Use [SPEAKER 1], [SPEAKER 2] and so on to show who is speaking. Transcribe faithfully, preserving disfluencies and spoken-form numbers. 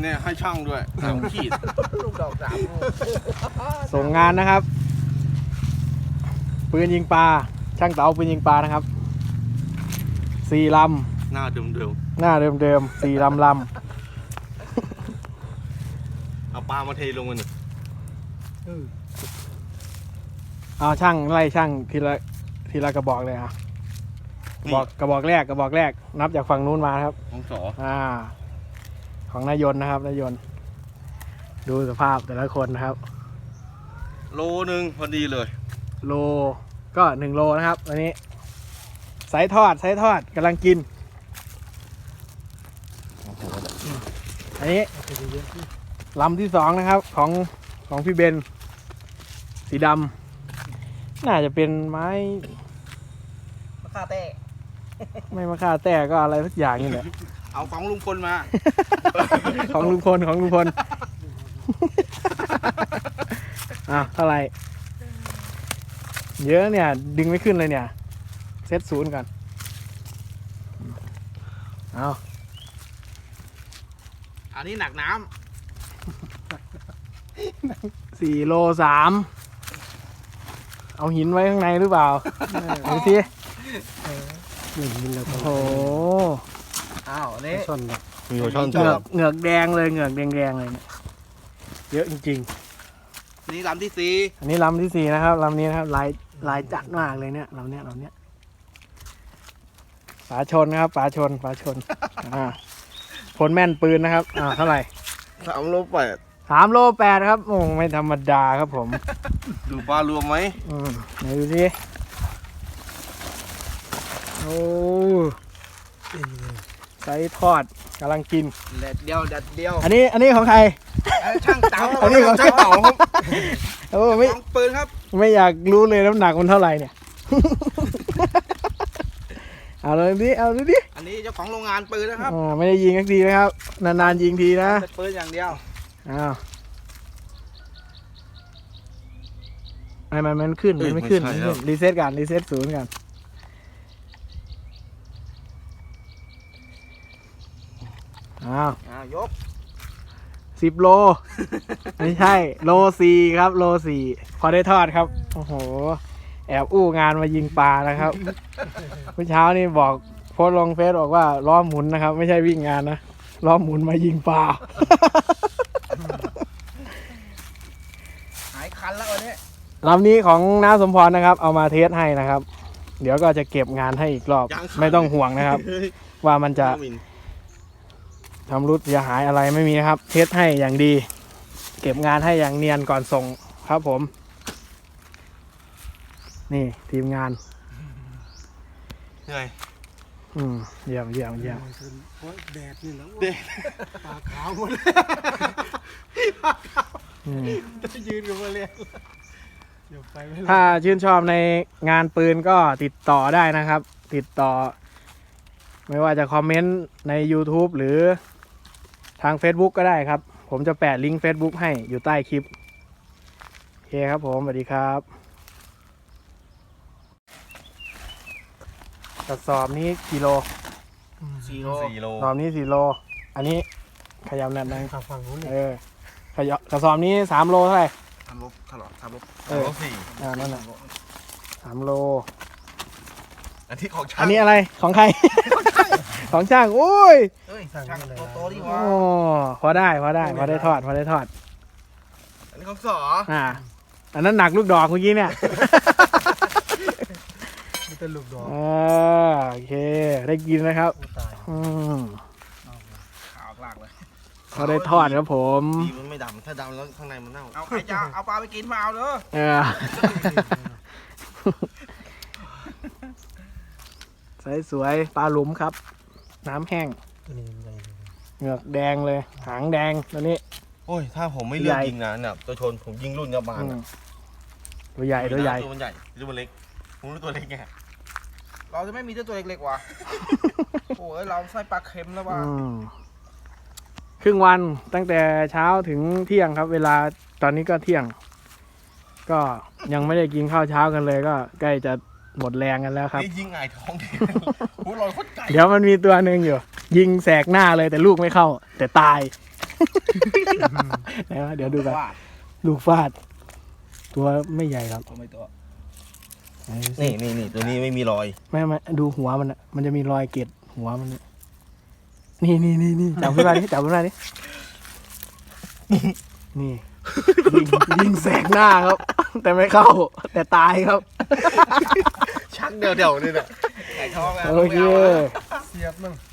[SPEAKER 1] เนี่ยให้ช่างด้วยสามขีดลูกดอกสามลูก
[SPEAKER 2] ส่งงานนะครับปืนยิงปลาช่างเต๋าปืนยิงปลานะครับสี่ลำ
[SPEAKER 1] หน้าเดิมเดิม
[SPEAKER 2] หน้าเดิมเดิมสี่ลำลำ
[SPEAKER 1] เอาปลามาเทลงมันหนึ่ง
[SPEAKER 2] เอาช่างไล่ช่างทีละทีละกระบอกเลยอ่ะบอกกระบอกแรกกระบอกแรกนับจากฝั่งนู้นมาครับ
[SPEAKER 1] ของสอ
[SPEAKER 2] อ่าของนายยนต์นะครับนายยนต์ดูสภาพแต่ละคนนะครับ
[SPEAKER 1] โลหนึ่งพอดีเลย
[SPEAKER 2] โลก็หนึ่งโลนะครับอันนี้สายทอดสายทอดกำลังกินอันนี้ลำที่สองนะครับของของพี่เบนสีดำน่าจะเป็นไม้
[SPEAKER 3] มะข่าแต้
[SPEAKER 2] ไม่มะข่าแต้ก็อะไรสักอย่างนี่แหละ
[SPEAKER 1] เอาของลุงพลมา
[SPEAKER 2] ของลุงพลของลุงพลอ่ะเท่าไหร่เยอะเนี่ยดึงไม่ขึ้นเลยเนี่ยเซตศูนย์ก่อนเอา
[SPEAKER 1] อันนี้หนักน้
[SPEAKER 2] ำสี่โลสามเอาหินไว้ข้างในหรือเปล่าดูสิโอ้โห
[SPEAKER 3] อ้าวนี่
[SPEAKER 2] ช่อนแบบ
[SPEAKER 1] มีหัวช่อน
[SPEAKER 2] เหงือกเหงือกแดงเลยเหงือกแดงๆเลยเนี่ยเยอะจริง
[SPEAKER 1] ๆนี่ลำที่สี่
[SPEAKER 2] อันนี้ลำที่สี่นะครับลำนี้นะครับลายลายจัดมากเลยเนี่ยลำเนี้ยลำเนี้ยฝาชนนะครับฝาชนฝาชนอ่าผลแม่นปืนนะครับอ่าเท่าไหร่
[SPEAKER 1] สามโลแปด
[SPEAKER 2] สามโลแปดครับโอ้ไม่ธรรมดาครับผม
[SPEAKER 1] ดูปลารวมไหม
[SPEAKER 2] อืมไหนดูดิโอ้ไส้ทอดกำลังกิน
[SPEAKER 3] เด็ดเดียวเด็ดเดียว
[SPEAKER 2] อันนี้อันนี้ของใคร
[SPEAKER 3] ช่างเต๋า
[SPEAKER 2] อันนี้ของช่างเต๋าครับโอ้ไม่
[SPEAKER 1] ปืนครับ
[SPEAKER 2] ไม่อยากรู้เลยน้ำหนักมันเท่าไหร่เนี่ยเอาเลยดิเอาเลยดิ
[SPEAKER 1] อันนี้เจ้าของโรงงานปืนนะครับ
[SPEAKER 2] อ่าไม่ได้ยิงสักทีนะครับนานๆยิงทีนะ
[SPEAKER 1] ปืนอย่างเดียว
[SPEAKER 2] อ้าวไอ้มันมันขึ้นมันไม่ขึ้นรีเซ็ตกันรีเซ็ตศูนย์กันอ้าว
[SPEAKER 1] อ้าวยก
[SPEAKER 2] สิบโลไม่ใช่โลสี่ครับโลสี่พอได้ทอดครับโอ้โหแอบอู้งานมายิงปลานะครับเมื่อเช้านี่บอกโพสลงเฟซบอกว่าล้อหมุนนะครับไม่ใช่วิ่งงานนะล้อหมุนมายิงปลา
[SPEAKER 3] หายคันแล้ววันนี้
[SPEAKER 2] ลำนี้ของน้าสมพรนะครับเอามาเทสให้นะครับเดี๋ยวก็จะเก็บงานให้อีกรอบไม่ต้องห่วงนะครับว่ามันจะทำรุดเสียหายอะไรไม่มีนะครับเทสให้อย่างดีเก็บงานให้อย่างเนียนก่อนส่งครับผมนี่ทีมงาน
[SPEAKER 1] เหนื่อย
[SPEAKER 2] อืมเยี่ยมเยี่ยมเยี่ยม
[SPEAKER 3] แดดนี่แล้วปากขาวหมดจะยืนกับมาเลย
[SPEAKER 2] ถ้าชื่นชอบในงานปืนก็ติดต่อได้นะครับติดต่อไม่ว่าจะคอมเมนต์ใน YouTube หรือทาง Facebook ก็ได้ครับผมจะแปะลิงก์ Facebook ให้อยู่ใต้คลิปโอเคครับผมสวัสดีครับกระสอบนี้กิโล
[SPEAKER 1] สี่โลสี่โล
[SPEAKER 2] กระสอบนี้สี่โลอันนี้ขยับหน่อย
[SPEAKER 3] ขับฝั่งนู้น
[SPEAKER 2] เออขยับกระสอบนี้สามโลเท่าไหร่
[SPEAKER 1] สามโลตลอดสามโล
[SPEAKER 2] เออ
[SPEAKER 1] สี่
[SPEAKER 2] อ่านั่นแหละสามโล
[SPEAKER 1] อันที่ของช่าง
[SPEAKER 2] อันนี้อะไรของใครของช่างโอ้ย
[SPEAKER 3] ช่างโตๆดีวะ
[SPEAKER 2] โอ้พอได้พอได้พอได้ทอดพอได้ทอด
[SPEAKER 1] อันนี้ของสอ
[SPEAKER 2] อ่าอันนั้นหนักลูกดอกเมื่อกี้เนี่ย
[SPEAKER 3] นี่เป็นลูกดอก
[SPEAKER 2] อ่าโอเคได้กินนะครับอืม
[SPEAKER 1] ขาวหลากเลย
[SPEAKER 2] พอได้ทอดครับผม
[SPEAKER 1] ดีมันไม่ดำถ้าดำแล้วข้างในมันเน่าเอาใครจะเอาปลาไปกินมาเอาเด้อ
[SPEAKER 2] เออสวยสวยปลาหลุมครับน้ำแห้งเหงือกแดงเลยหางแดงตัวนี้
[SPEAKER 1] โอ้ยถ้าผมไม่เลือกยิงนะเนี่ยตัวชนผมยิงรุ่นยาบาล
[SPEAKER 2] ตัวใหญ่ตัวใหญ่
[SPEAKER 1] ตัวมันใหญ่ตัวมันเล็กผมรู้ตัวเล็กไงเราจะไม่มีตัวเล็กๆว่ะโอ้ยเราใส่ปลาเค็มแล้วว่ะ
[SPEAKER 2] ครึ่งวันตั้งแต่เช้าถึงเที่ยงครับเวลาตอนนี้ก็เที่ยงก็ยังไม่ได้กินข้าวเช้ากันเลยก็ใกล้จะหมดแรงกันแล้วครับ
[SPEAKER 1] ยิงไงท้องเดี๋ยวมันมี
[SPEAKER 2] ตัวหนึ่งอยู่ยิงแสกหน้าเลยแต่ลูกไม่เข้าแต่ตายไหนวะเดี๋ยวดูกัน
[SPEAKER 1] ฟาด
[SPEAKER 2] ลูกฟาด ตัวไม่ใหญ่ครับ
[SPEAKER 1] ตัวไม่ตัว
[SPEAKER 2] ไหนดูสิ
[SPEAKER 1] นี่นี่นี่ตัวนี้ไม่มีรอย
[SPEAKER 2] ไม่ไม่ดูหัวมันอะมันจะมีรอยเกล็ดหัวมันเนี่ยนี่นี่นี่นี่จับขึ้นมาดิจับขึ้นมาดินี่ยิงยิงแสกหน้าครับ แต่ไม่เข้า แต่ตายครับ
[SPEAKER 1] ชักเดียวเดียวนี่แหละไก่ทองะ
[SPEAKER 2] โอเค
[SPEAKER 1] ไม่านะ
[SPEAKER 3] เสียบมัน